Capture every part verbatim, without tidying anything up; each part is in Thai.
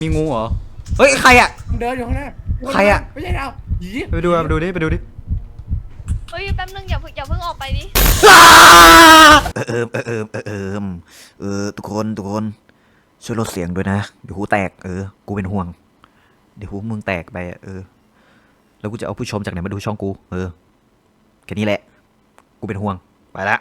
มีงูเหรอเฮ้ยใครอะเดินอยู่ข้างหน้าใครอะไม่ใช่เราหยีไปดูไปดูดิไปดูดิเฮ้ยแป๊บนึงอย่าเพิ่งอย่าเพิ่งออกไปดิเออเออเออเออเออเออทุกคนทุกคนช่วยลดเสียงด้วยนะเดี๋ยวหูแตกเออกูเป็นห่วงเดี๋ยวหูมึงแตกไปเออแล้วกูจะเอาผู้ชมจากไหนมาดูช่องกูเออแค่นี้แหละกูเป็นห่วงไปละ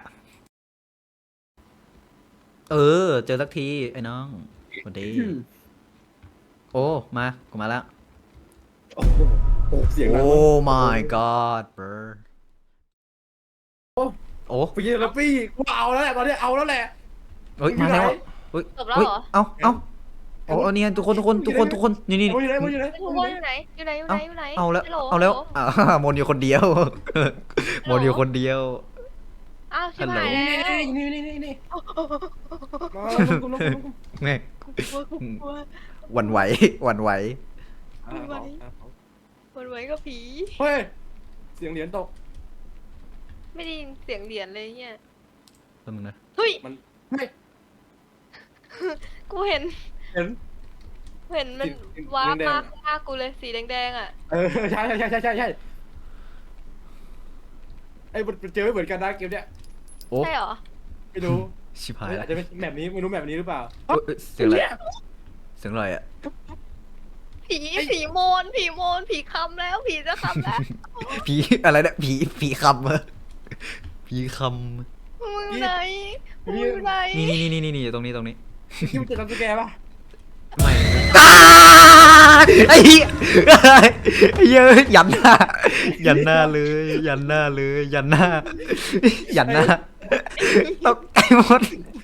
เออเจอสักทีไอ้น้องสวัสดีโอ้มากูมาแล้วโอ้โหโอ้เสียงโอ้ my god bro โอ้โอ้พี่แล้วพี่กูเอาแล้วแหละตอนนี้เอาแล้วแหละเฮ้ยมาแล้วเฮ้ยจบแล้วเหรอเอาเอาเอาเอาเนี่ยทุกคนทุกคนทุกคนทุกคนนี่นี่มันอยู่ไหนมันอยู่ไหนทุกคนอยู่ไหนอยู่ไหนอยู่ไหนอยู่ไหนเอาแล้วฮัโหเอาแล้วอ่ามนอยู่คนเดียวมนอยู่คนเดียวอ้าวชิบหายนี่แล้วนี่นี่นี่นี่มาลงกูลงกูลงกูแม่หวั่นไหวหวั่นไหวคนไว้ก็ผีเฮ้ยเสียงเหรียญตกไม่ได้ยินเสียงเหรียญเลยเนี่ยแป๊บนึงนะเฮ้ยมันเฮ้ยกูเห็นเห็นเห็นมันว้าบมาข้างหน้ากูเลยสีแดงๆอ่ะเออใช่ใช่ใช่ใช่ใช่ใช่ไอ้มันเจอไม่เหมือนกันนะเกมเนี้ยโอ้ใช่เหรอไม่รู้ชิบหายอาแล้วจจะเป็นแบบนี้ไม่รู้แบบนี้หรือเปล่าเสียงอะไรเสียงอะไรอ่ะผีผีโมนผีโมนผีคำแล้วผีจะคำแล้วผีอะไรเนี่ยผีผีคำอะผีคมึงอยู่ไหนมึงอยู่ไหนำนี่นี่นี่นี่นี่ตรงนี้ตรงนี้ที่มันเจอกันสแกป่ะไม่ไอ้เหี้ยไอ้เหี้ยยันหน้ายันหน้าเลยยันหน้าเลยยันหน้ายันหน้าตกใจหมด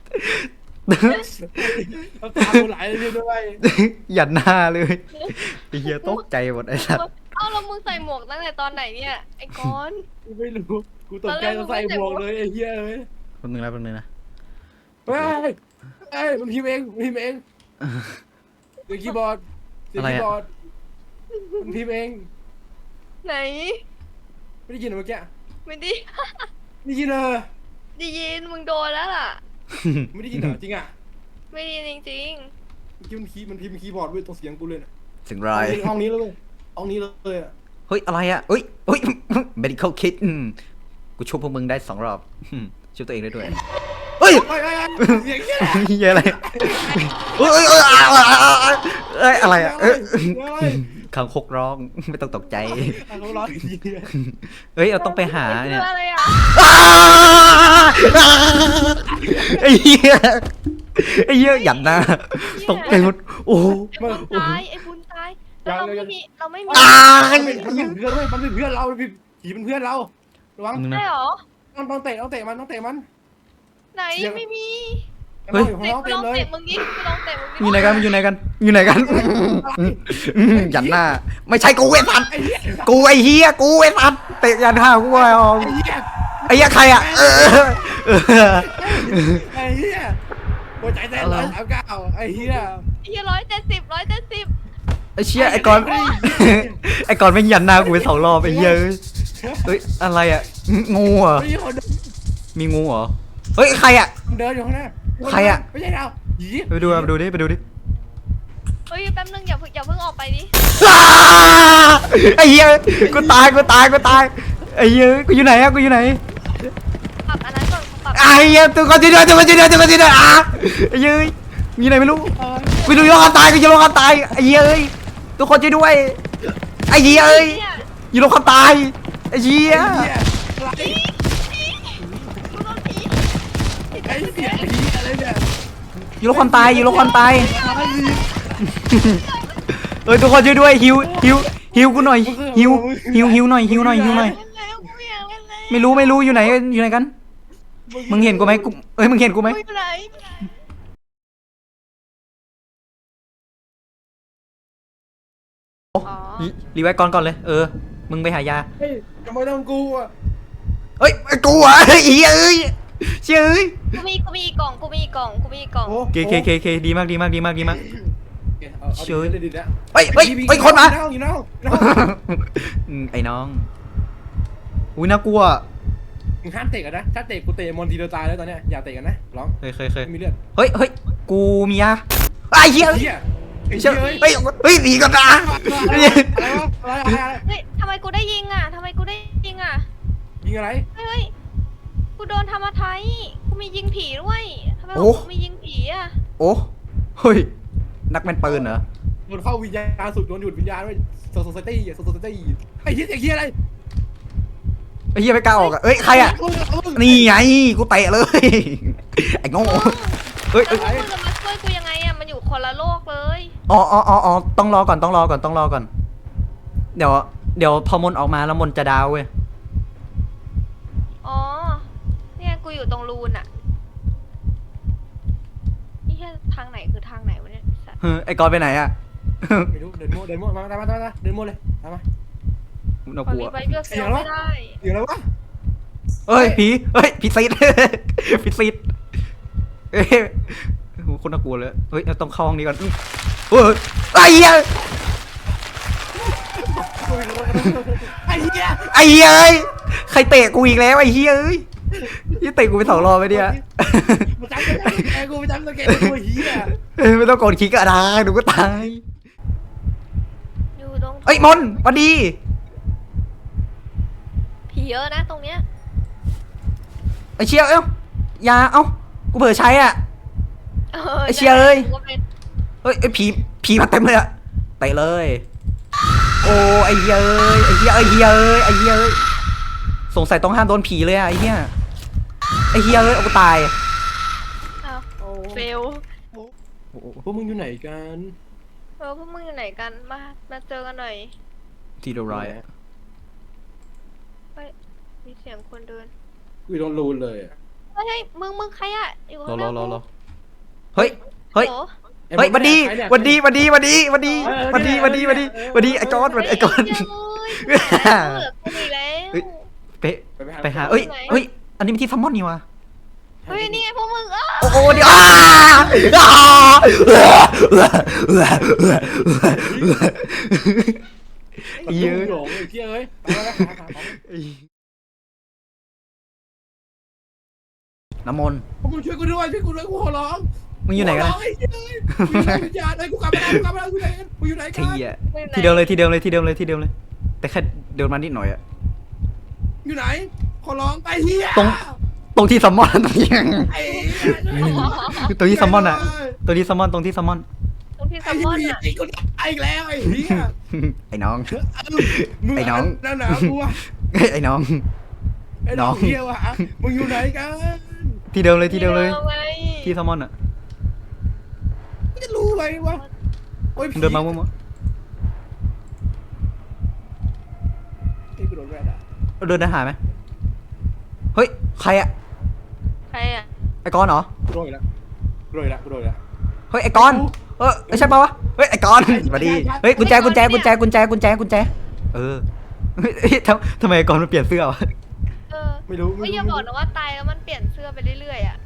เราตามกูไหลเลยด้วยยันหน้าเลยไอ้เหี้ยตกใจหมดไอ้สัตว์เอ้าแล้วมึงใส่หมวกตั้งแต่ตอนไหนเนี่ยไอ้ก้อนกูไม่รู้กูตกใจจะใส่หมวกเลยไอ้เหี้ยเลยแป๊บนึงนะแป๊บนึงนะเฮ้ยเฮ้ยมันพิมพ์เองมันพิมพ์เองเสียงคีย์บอร์ดเสียงคีย์บอร์ดมันพิมพ์เองไหนไม่ได้ยินเหรอเมื่อกี้ไม่ได้ไม่ได้ยินเลยได้ยินมึงโดนแล้วล่ะไม่ได้ยินเหรอจริงอ่ะไม่ได้ยินจริงเมื่อกี้มันคีย์มันพิมพ์คีย์บอร์ดด้วยตรงเสียงกูเลยนะเสียงไรห้องนี้เลยห้องนี้เลยอ่ะเฮ้ยอะไรอ่ะเฮ้ยเฮ้ย medical kit อืมกูชุบพวกมึงได้สองรอบอืมชุบตัวเองได้ด้วยเฮ้ยเฮ้ยเฮ้ยเสียงเหี้ยเหี้ยอะไรเฮ้ยเฮ้ยเฮ้ยเอ้ยอะไรอ่ะเอ้ยคางคกร้องไม่ต้องตกใจเขาร้องอีกทีเฮ้ยเราต้องไปหาๆเนี่ยคืออะไรอ่ะไอ้เหี้ยไอ้เหี้ยหยันหน้าตกใจหมดโอ้โหไอ้บุญตายไอ้บุญตายแล้วเราไม่มีเราไม่มีอ้ามันเป็นมันเป็นเพื่อนด้วยมันเป็นเพื่อนเราผีเป็นเพื่อนเราระวังใช่เหรอต้องต้องเตะต้องเตะมันต้องเตะมันไหนไม่มีเฮ้ยของเตะน้องไปเต็ลมองเลยเตะมึงดิไปลองเตะมึงดิอยู่ไหนกันอยู่ไหนกันอยู่ไหนกันอืมหยันหน้าไม่ใช่กูไอ้สัตว์ไอ้เหี้ยกูไอ้เหี้ยกูไอ้สัตว์เตะยันห้ากูไอ้ออมไอ้เหี้ยไอ้เหี้ยใครอ่ะเออเออไอ้เหี้ยหัวใจเต้นร้อยสามเก้าไอ้เหี้ยเฮียร้อยเจ็ดสิบร้อยเจ็ดสิบไอ้เชี่ยไอ้กอนไอ้กอนไม่ยันหน้ากูไปสองรอบไอ้เหี้ยเอ้ยเฮ้ยอะไรอ่ะงูเหรอไม่ใช่คนมีงูเหรอเฮ้ยใครอ่ะเดินอยู่ข้างหน้าใครอะไม่ใช่เราหยีไปดูไปดูดิไปดูดิเฮ้ยแป๊บนึงอย่าเพิ่งอย่าเพิ่งออกไปดิไอ้เหี้ยกูตายกูตายกูตายไอ้เหี้ยกูอยู่ไหนอะกูอยู่ไหนปรับอันนั้นก่อนปรับไอ้เหี้ยตัวคนที่เดินตัวคนที่เดินตัวคนที่เดินอ่ะไอ้เหี้ยมีไหนไม่รู้กูอยู่โลกตายกูอยู่โลกตายไอ้เหี้ยเอ้ยทุกคนช่วยด้วยไอ้เหี้ยเอ้ยเนี่ยอยู่โลกตายไอ้เหี้ยไอ้เหี้ยกูโดนผีไอ้เหี้ยผีอะไรเนี่ยอยู่โลกตายอยู่โลกตายเอ้ยทุกคนช่วยด้วยหิวหิวหิวกูหน่อยหิวหิวหิวหน่อยหิวหน่อยหิวหน่อยเล่นแล้วกูไม่อยากเล่นแล้วไม่รู้ไม่รู้อยู่ไหนอยู่ไหนกันมึงเห็นกูไหมกูเอ้ยมึงเห็นกูไหมกูอยู่ไหน อ๋อรีไว้ก่อนก่อนเลยเออมึงไปหายาเฮ้ยทำไมต้องกูอ่ะเอ้ยกูอ่ะเอ้ยเอ้ยเชื่อเอ้ยกูมีกูมีอีกกล่องกูมีอีกกล่องกูมีอีกกล่องเคเคเคเคดีมากดีมากดีมากดีมากเชื่อดินะเฮ้ยเฮ้ยเฮ้ยคนมาอยู่น้องอยู่น้องอืมไอ้น้องอุ้ยน่ากลัวมึงห้ามเตะกันนะถ้าเตะกูเตะมอนทีเดียวตายแล้วตอนเนี้ยอย่าเตะกันนะร้องเคยเคยเคยไม่มีเลือดเฮ้ยเฮ้ยกูมียาไอ้เหี้ยเหี้ยไอ้เชื่เหี้อย เฮ้ยเฮ้ยหนีกันนะอะไรวะอะไรอะไรอะไรเฮ้ยทำไมกูได้ยิงอ่ะทำไมกูได้ยิงอ่ะยิงอะไรเฮ้ยเฮ้ยกูโดนทำอะไรกูมียิงผีด้วยทำไมโอ้กูมียิงผีอ่ะโอ้เฮ้ยนักแม่นปืนเหรอโดนเข้าวิญญาณสุดโดนหยุดวิญญาณด้วยโซโซตี้โซโซตี้ไอ้เหี้ยไอ้เหี้ยอะไรไอ้เหี้ยไม่กล้าออกอ่ะเอ้ยใครอ่ะนี่ไงกูเตะเลยไอ้โง่เฮ้ยแล้เอ้วย พวกมึงจะมาช่วยกูยังไงอ่ะมันอยู่คนละโลกเลยอ๋ออ๋ออ๋ออ๋อต้องรอก่อนต้องรอก่อนต้องรอก่อนเดี๋ยวเดี๋ยวพอมนออกมาแล้วมนจะดาวเว้ยอ๋อเนี่ยกูอยู่ตรงรูนอ่ะนี่แค่ทางไหนคือทางไหนวะเนี่ยไอ้สัสเฮ้ยไอ้กอนไปไหนอ่ะไม่รู้เดินโม่เดินโม่มามามามาเดินโม่เลยมามาน่าตอก นลัวนี้ไปเลือกเซลล์ไม่ได้เดี๋ยวอะไรวะเฮ้ยผีเฮ้ยผีซีด ผีซีดเอ้ยโหคนน่ากลัวเลยเฮ้ยต้องเข้าห้องนี้ก่อนเฮ้ยไอ้เหี้ยไอ้เหี้ยไอ้เหี้ยเอ้ยใครเตะกูอีกแล้วไอ้เหี้ยเอ้ยยี่เตะกูไปสองรอบไปเนี่ยมาจับแกกูไปจับแกกูเหี้ยเอ้ยไม่ต้องกดคลิกก็ได้หนูก็ตายอยู่ตรงเอ้ยมนสวัสดีผีเยอะนะตรงเนี้ยไอ้เชี่ยเอ้าอยาเอ้ากูเผลอใช้อ่ะเอไอ้เชี่ยเอ้ยกูก็เป็นเฮ้ยไอ้ผีผีมาเต็มเลยอะเตะเลย โอ้ไอ้เหี้ยเอ้ยไอ้เหี้ยไอ้เหี้ยเอ้ยไอ้เหี้ยเอ้ยสงสัยต้องห้ามโดนผีเลยอะไอ้เหี้ยไอ้เหี้ยเอ้ยเอากูตายอ้าวเฟลพวกมึงอยู่ไหนกันเออพวกมึงอยู่ไหนกันมามาเจอกันหน่อยที่เดรายเฮ้ยมีเสียงคนเดินกูโดนรูนเลยเฮ้ยเฮ้ยมึงมึงใครอ่ะอยู่รอข้างหรอน้ารอกูรอเฮ้ยเฮ้ยโหเฮ้ยวันดีวันดีวันดีวันดีวันดีวันดีวันดีวันดีวันดีไอ้กอนไอ้กอนเฮ้ยเหี้ยเอ้ยเหลือกูอีกแล้วเป๊ะไปหาเอ้ยเฮ้ยอันนี้มันที่ซัมมอนนี่วะเฮ้ยนี่ไงพวกมึงเออโอ้โหเดี๋ยวอ้าอ้าเยอะหลงไอ้เหี้ยเอ้ยไปแล้วหาหาของน้ำมนต์พวกมึงช่วยกูด้วยช่วยกูด้วยกูขอร้องมึงอยู่ไหนกันขร้องไอ้เหี้ยเอ้ยกูอยู่ไหนวิญญาณไอ้กูกลับมาแล้วกูกลับมาแล้วกูไหนกันกูอยู่ไหนกันที่อ่ะที่เดิมเลยที่เดิมเลยที่เดิมเลยที่เดิมเลย แต่แค่เดินมานิดหน่อยอะอยู่ไหนขอร้องไปเหี้ยตรงตรงที่ซัมมอนตรงที่ไอ้เหี้ยตรงที่ซัมมอนอะตรงที่ซัมมอนตรงที่ซัมมอนตรงที่ไอ้ซัมมอนเหี้ยอ่ะไอ้กูไอ้อีกแล้วไอ้เหี้ยไอ้น้องมึงไอ้น้องนั่นหนากูอะไอ้น้องไอ้น้องน้องเหี้ยวะมึงอยู่ไหนกันที่เดิมเลยที่เดิมเลยไงที่ซัมมอนอะจะรู้ไหมวะโอ้ยมึงเดินมามั่วไอ้กูโดนแรดอะๆเดินได้หาไหมเฮ้ยใครอะใครอ่ะไอ้กอนเหรอกูโดนอีกแล้วกูโดนอีกแล้วกูโดนอีกแล้วเฮ้ยไอ้กอนเออใช่ปะวะเฮ้ยไอ้กอนสวัสดีเฮ้ยกุญแจกุญแจกุญแจกุญแจกุญแจกุญแจเออเฮ้ยทำทำไมไอ้กอนมันเปลี่ยนเสื้อวะเออไม่รู้เฮ้ยอย่าบอกนะว่าตายแล้วมันเปลี่ยนเสื้อไปเรื่อยๆอ่ะ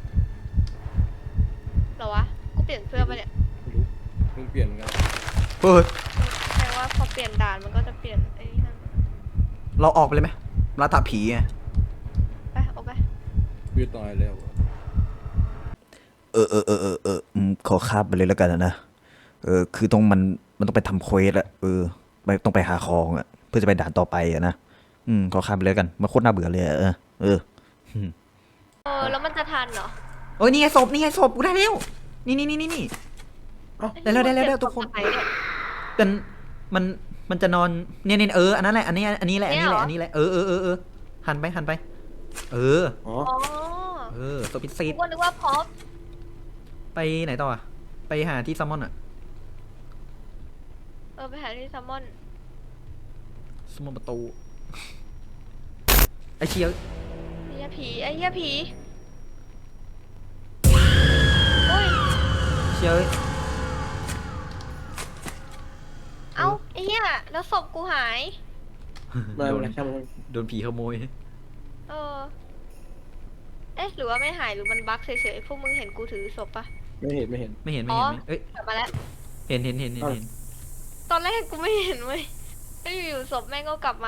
เหรอวะกูเปลี่ยนเสื้อไปเนี่ยไม่รู้มึงเปลี่ยนกันเฮ้ยแปลว่าพอเปลี่ยนด่านมันก็จะเปลี่ยนไอ้นั่นเราออกไปเลยไหมล่าท้าผีไงไปออกไปกูจะตายแล้วอะเออเออเออเออเอออืมขอข้ามไปเลยแล้วกันนะเออคือต้องมันมันต้องไปทำเควสอะเออไปต้องไปหาของอะเพื่อจะไปด่านต่อไปอะนะอืมขอข้ามไปเลยแล้วกันมันโคตรน่าเบื่อเลยอะเออเออเออแล้วมันจะทันเหรอโอ้ยนี่ไงศพนี่ไงศพกูได้แล้วนี่นี่นี่นี่นี่ ได้แล้วได้แล้วได้แล้วทุกคนไหนเนี่ยเป็นมันมันจะนอนเนี่ยเนี่ยเอออันนั้นแหละอันนี้อันนี้แหละอันนี้แหละเนี่ยเหรออันนี้แหละเออเออเออเออหันไปหันไป เอออ๋ออ๋อเออศพพิเศษกูก็นึกว่าพร็อพไปไหนต่ออะไปหาที่ซัมมอนอะเออไปหาที่ซัมมอนซัมมอนประตูไอเชียไอ้เหี้ยผีไอ้เหี้ยผีโอ้ยเชียเอ้าไอ้เหี้ยแล้วศพกูหายไม่โดเป็นนไรช่างมันโดนผีขโมยเออ เอ๊ะหรือว่าไม่หายหรือมันบั๊กเฉยๆพวกมึงเห็นกูถือศพปะไม่เห็นไม่เห็นไม่เห็นไม่อ๋อเห็นไม่เอ้ยกลับมาแล้วเห็นเห็นเห็นเห็นเห็นตอนแรกกูไม่เห็นเว้ยแล้วอยู่ๆศพแม่งก็กลับมา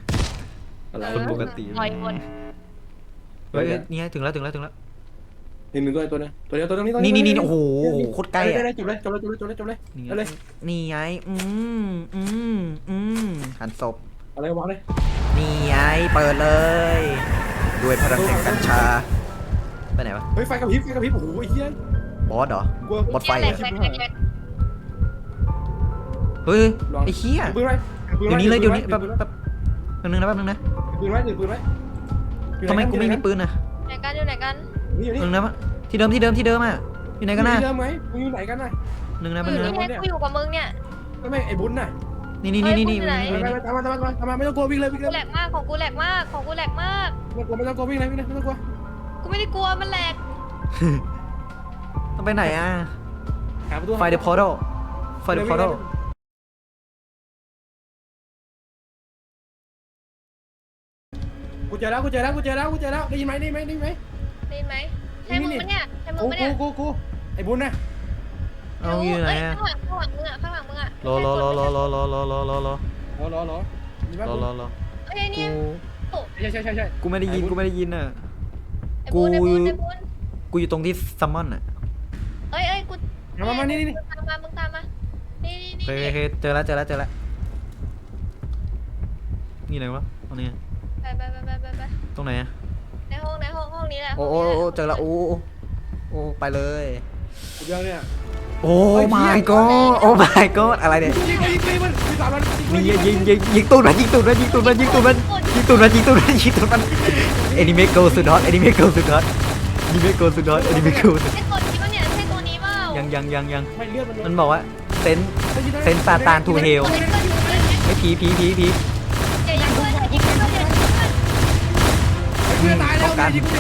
อะไรคนปกติปล่อยหมดเฮ้ยเอ้ยนี่ไงถึงแล้วถึงแล้วถึงแล้วเนึ่งหนึ่งตัวตัวนึงตัวเดียวตัวนึงนี่ตัวนี่นี่นี่โอ้โหโคตรใกล้ได้อะได้จบเลยจบเลยจบเลยจบเลยจบเลยนี่ไงเอาเลยนี่ไงอืมอืมอืมหันศพเอาเลยวางเลยนี่ไงเปิดเลย ด้วยพลังแห่งกัญชาไปไหนวะเฮ้ยไฟกระพริบไฟกระพริบโอ้โหไอ้เหี้ยบอสเหรอกลัวบอสไฟแหลอะกแหลกแหลกแหลกเฮ้ยไอ้เหี้ยปืนไว้เดี๋ยวนี้เลยเดี๋ยวนี้แป๊บแป๊บแป๊บนึงนะแป๊บนึงนะปืนไว้ถือปืนไว้ทำไมกูไม่มีปืนอะไหนกันอยู่ไหนกันนี่อยู่นี่หนึ่งนะที่เดิมที่เดิมที่เดิมอะอยู่ไหนกันนะเดิมไหมมึงอยู่ไหนกันน่ะหนึ่งนะอแป๊บนึยู่งนี่นะไงกูอยู่กับมึงเนี่ยก็ไม่ไอ้บุญน่ะนี่นี่นี่นี่นี่เฮ้ยคุณอยู่ไหนไปไปตามมาตามมาตามมาไม่ต้องกลัววิ่งเลยวิ่งกูเลแหลยกมากของกูแหลกมากของกูแหลกมากไม่ต้องกลัวไม่ต้องกลัววิ่งเลยวิ่งเลยไม่ต้องกลัวกูไม่ได้กลัวมันแหลกต้องไปไหนอะหาประตูไฟเดอะพอร์ทัลไฟเดอะพอร์ทัลกูเจอแล้วกูเจอแล้วกูเจอแล้วกูเจอแล้วได้ยินไหมได้ยินไหมได้ยินไหมได้ยินไหมใช่มึงปะเนี่ยใช่มึงกูปะเนี่ยกูกูไอ้บุญน่ะเอาอยู่ไหนเอ้ยอะข้างหลังข้างหลังมึงอะข้างหลังมึงอะรอรอรอรอรอรอรอรอรอรอรอรอรอมีไหมรอรอรอเอ้ยไอ้กูเนี่ยโอ้ใช่ใช่ใช่ใช่กูไม่ได้ยินกูไม่ได้ยินอะไอ้บุญไอ้บุญไอ้บุญกูอยู่ตรงที่ซัมมอนอะเอ้ยเอ้ยกูมามานี่นี่มึงตามมามึงตามมานี่นี่นี่เฮ้ยเฮ้ยเจอแล้วเจอแล้วเจอแล้วนี่ไหนวะตรงนี้ไปไปไปไปไปไปตรงไหนอะในห้องในห้องห้องนี้แหละโอ้โอ้โอ้เจอแล้วโอ้โอ้โอ้ไปเลยกูเจอเนี่ยโอ้ my god โอ้ my god อะไรเนี่ยยิงยิงยิงมันยิงสามมันนี่ยิงยิงยิงยิงตูดมันยิงตูดมันยิงตูดมันยิงตูดมันยิงตูดมันยิงตูดมันยิงตูดมันแอนิเมะโกสุดฮอตแอนิเมะโกสุดฮอตแอนิเมะโกสุดฮอตแอนิเมะโกสุดใช่ตัวนี้ปะเนี่ยใช่ตัวนี้เปล่ายังยังยังยังไม่เลือดมันมันบอกว่าเซนเซนซาตานทูเฮลตัวนี้เพื่อนอยู่เลยไม่ผีผีผีผีอย่ายิงเพื่อนอย่ายิงเพื่อนอย่ายิงเพื่อนเพื่อนตายแล้วยิงกู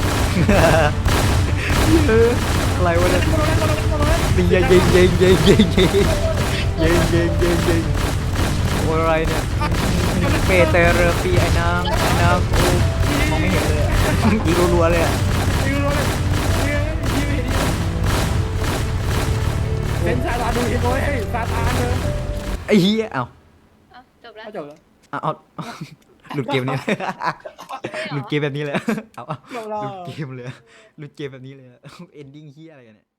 เอออะไรวะเนี่ยยิงยิงยิงยิงยิงยิงยิงยิงยิงยิงยิงโอ้อะไรเนี่ยเปเตอร์ปีไอ้น้ำไอ้น้ำโอ้มองไม่เห็นเลยยิงรัวๆเลยอะยิงรัวเลยยิงยิงเป็นซาตานดูเห็นโอ้ยซาตานเลยไอ้เหี้ยเอ้าเอาจบแล้วจบแล้วเอาเอาหลุดเกมนี้เลยหลุดเกมแบบนี้เลยเอาเอาจบแล้หลุวดเกมเลยหลุดเกมแบบนี้เลยเอนดิ้งเหี้ยอะไรกันเนี่ย